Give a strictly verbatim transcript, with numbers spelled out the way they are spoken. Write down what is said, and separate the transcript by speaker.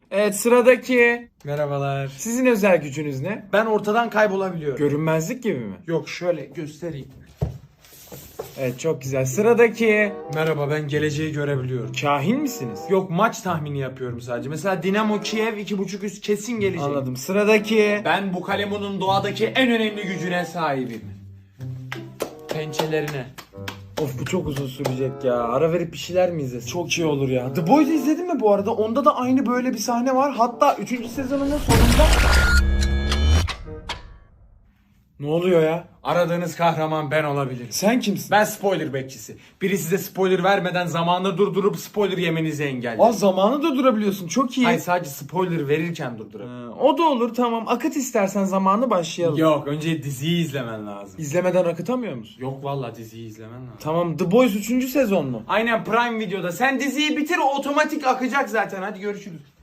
Speaker 1: Evet, sıradaki.
Speaker 2: Merhabalar.
Speaker 1: Sizin özel gücünüz ne?
Speaker 2: Ben ortadan kaybolabiliyorum.
Speaker 1: Görünmezlik gibi mi?
Speaker 2: Yok, şöyle göstereyim.
Speaker 1: Evet, çok güzel. Sıradaki.
Speaker 2: Merhaba, ben geleceği görebiliyorum.
Speaker 1: Kahin misiniz?
Speaker 2: Yok, maç tahmini yapıyorum sadece. Mesela Dinamo Kiev iki buçuk üst kesin gelecek.
Speaker 1: Anladım. Sıradaki.
Speaker 2: Ben bu kalemunun doğadaki en önemli gücüne sahibim. Pençelerine.
Speaker 1: Of, bu çok uzun sürecek ya. Ara verip bir şeyler mi izlesin?
Speaker 2: Çok iyi olur ya. The Boys'u izledin mi bu arada? Onda da aynı böyle bir sahne var. Hatta üçüncü sezonunun sonunda...
Speaker 1: Ne oluyor ya?
Speaker 2: Aradığınız kahraman ben olabilirim.
Speaker 1: Sen kimsin?
Speaker 2: Ben spoiler bekçisi. Biri size spoiler vermeden zamanını durdurup spoiler yemenizi engeller.
Speaker 1: Aa, zamanı da durabiliyorsun. Çok iyi.
Speaker 2: Hayır, sadece spoiler verirken durdurabilirim.
Speaker 1: Ha, o da olur, tamam. Akıt istersen zamanı, başlayalım.
Speaker 2: Yok, önce diziyi izlemen lazım.
Speaker 1: İzlemeden akıtamıyor musun?
Speaker 2: Yok vallahi diziyi izlemen lazım.
Speaker 1: Tamam, The Boys üçüncü sezon mu?
Speaker 2: Aynen, Prime Video'da. Sen diziyi bitir, o otomatik akacak zaten. Hadi görüşürüz.